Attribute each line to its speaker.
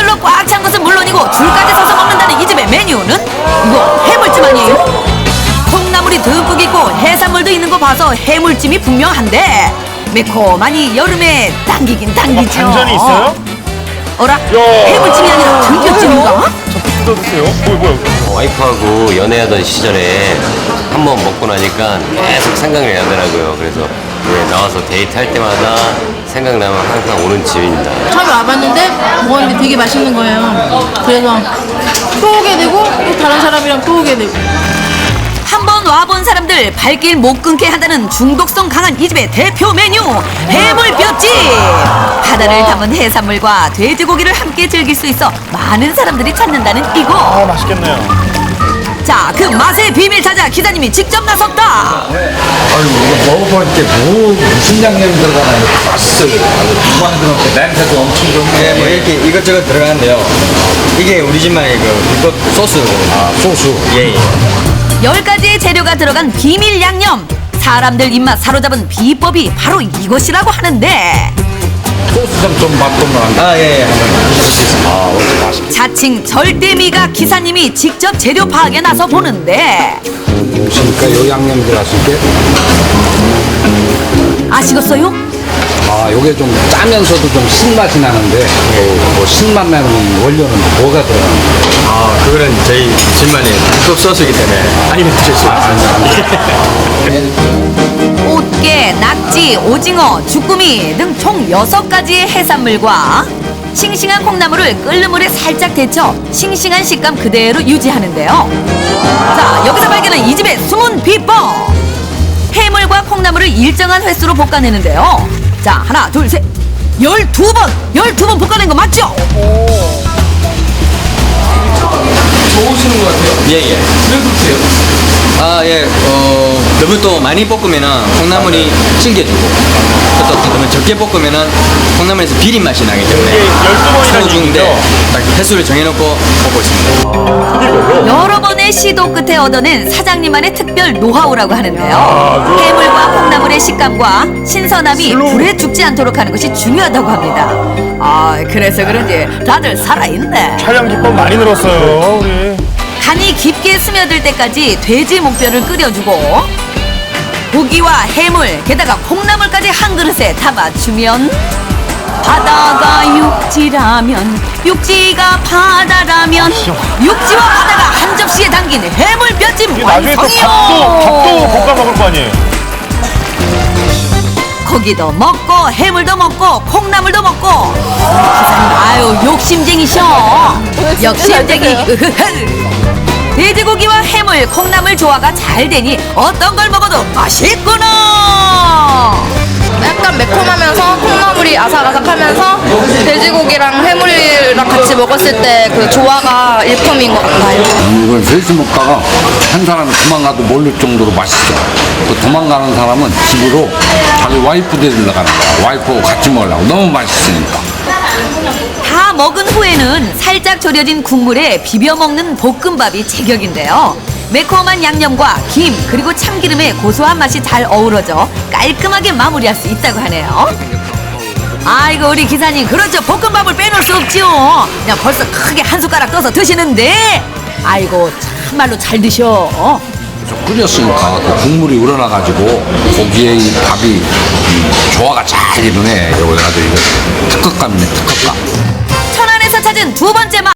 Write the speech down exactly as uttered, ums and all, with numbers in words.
Speaker 1: 사람들로 꽉 찬 것은 물론이고 줄까지 서서 먹는다는 이 집의 메뉴는 이거 해물찜 아니에요? 콩나물이 듬뿍 있고 해산물도 있는 거 봐서 해물찜이 분명한데 매콤하니 여름에 당기긴 당기죠.
Speaker 2: 아, 반전이 있어요?
Speaker 1: 어라? 해물찜이 아니라 들깨찜인가?
Speaker 2: 뜯어드세요. 뭐야, 뭐야.
Speaker 3: 와이프하고 연애하던 시절에 한 번 먹고 나니까 계속 생각이 나더라고요. 그래서 네, 나와서 데이트할 때마다 생각나면 항상 오는 집입니다.
Speaker 4: 처음에 와봤는데 먹었는데 되게 맛있는 거예요. 그래서 또 오게 되고 또 다른 사람이랑 또 오게 되고.
Speaker 1: 한 번 와본 사람들 발길 못 끊게 한다는 중독성 강한 이 집의 대표 메뉴 해물뼈찜. 바다를 담은 해산물과 돼지고기를 함께 즐길 수 있어 많은 사람들이 찾는다는 이곳.
Speaker 2: 아, 맛있겠네요.
Speaker 1: 자, 그 맛의 비밀 찾아 기사님이 직접 나섰다.
Speaker 5: 아유, 이거 먹어볼 때 뭐, 무슨 양념이 들어가나 이렇게 맛있어요. 두방 들어가고 냄새도 엄청 좋네.
Speaker 6: 네, 뭐 이렇게 이것저것 들어가는데요. 이게 우리 집만의 그 비법 소스거든요.
Speaker 5: 아, 소스.
Speaker 6: 예, 예.
Speaker 1: 열 가지의 재료가 들어간 비밀 양념. 사람들 입맛 사로잡은 비법이 바로 이것이라고 하는데
Speaker 5: 소스 좀, 좀 맛보면
Speaker 6: 아, 예, 예. 한번
Speaker 5: 아, 어째 맛있
Speaker 1: 자칭 절대미가 기사님이 직접 재료 파악에 나서 보는데
Speaker 5: 그러니까 요 양념이 들어갔을 때,
Speaker 1: 아시겠어요?
Speaker 5: 아, 요게 좀 짜면서도 좀 신맛이 나는데, 뭐, 신맛 나는 원료는 뭐가 들어가는 거예요?
Speaker 6: 아, 그거는 저희 집만의 비법 소스이기 때문에 아니면 드실 수 없습니다.
Speaker 1: 꽃게, 낙지, 오징어, 주꾸미 등 총 여섯 가지의 해산물과 싱싱한 콩나물을 끓는 물에 살짝 데쳐 싱싱한 식감 그대로 유지하는데요. 자, 여기서 발견한 이 집의 숨은 비법. 해물과 콩나물을 일정한 횟수로 볶아내는데요. 자, 하나, 둘, 셋. 열두 번! 열두 번 볶아낸 거 맞죠?
Speaker 6: 좋으시는 것 같아요. 예, 예. 왜 그러세요? 아, 예. 어, 너무 또 많이 볶으면은 콩나물이 질겨지고, 또, 또 너무 적게 볶으면은 콩나물에서 비린 맛이 나기 때문에
Speaker 2: 이게 열두 번이라는
Speaker 6: 서중인데
Speaker 2: 얘기죠?
Speaker 6: 딱 횟수를 정해놓고 볶고 있습니다.
Speaker 1: 여러 번의 시도 끝에 얻어낸 사장님만의 특별 노하우라고 하는데요. 해물과 콩나물의 식감과 신선함이 불에 죽지 않도록 하는 것이 중요하다고 합니다. 아, 그래서 그런지 다들 살아있네.
Speaker 2: 촬영 기법 많이 늘었어요, 우리.
Speaker 1: 간이 깊게 스며들 때까지 돼지 목뼈를 끓여주고 고기와 해물, 게다가 콩나물까지 한 그릇에 담아주면 바다가 육지라면 육지가 바다라면 육지와 바다가 한 접시에 담긴 해물뼈찜
Speaker 2: 이게 나중에 또
Speaker 1: 완성이요.
Speaker 2: 밥도, 밥도 볶아 먹을 거 아니에요?
Speaker 1: 고기도 먹고 해물도 먹고 콩나물도 먹고 기사님 아유 욕심쟁이셔. 욕심쟁이. 돼지고기와 해물, 콩나물 조화가 잘 되니 어떤 걸 먹어도 맛있구나.
Speaker 4: 약간 매콤하면서 콩나물이 아삭아삭하면서 돼지고기랑 해물이랑 같이 먹었을 때 그 조화가 일품인 것 같아요.
Speaker 5: 이걸 셋이 먹다가 한 사람이 도망가도 모를 정도로 맛있어. 또 도망가는 사람은 집으로 자기 와이프 데리러 가는 거야. 와이프하고 같이 먹으려고. 너무 맛있으니까.
Speaker 1: 다 먹은 후에는 살짝 졸여진 국물에 비벼 먹는 볶음밥이 제격인데요. 매콤한 양념과 김 그리고 참기름의 고소한 맛이 잘 어우러져 깔끔하게 마무리할 수 있다고 하네요. 아이고 우리 기사님 그렇죠. 볶음밥을 빼놓을 수 없지요. 그냥 벌써 크게 한 숟가락 떠서 드시는데 아이고 참말로 잘 드셔.
Speaker 5: 좀 끓였으니까 그 국물이 우러나가지고 고기에 이 밥이 이 조화가 잘 이루네. 이거 아주 이거 특급감이네, 특급감.
Speaker 1: 천안에서 찾은 두 번째 맛.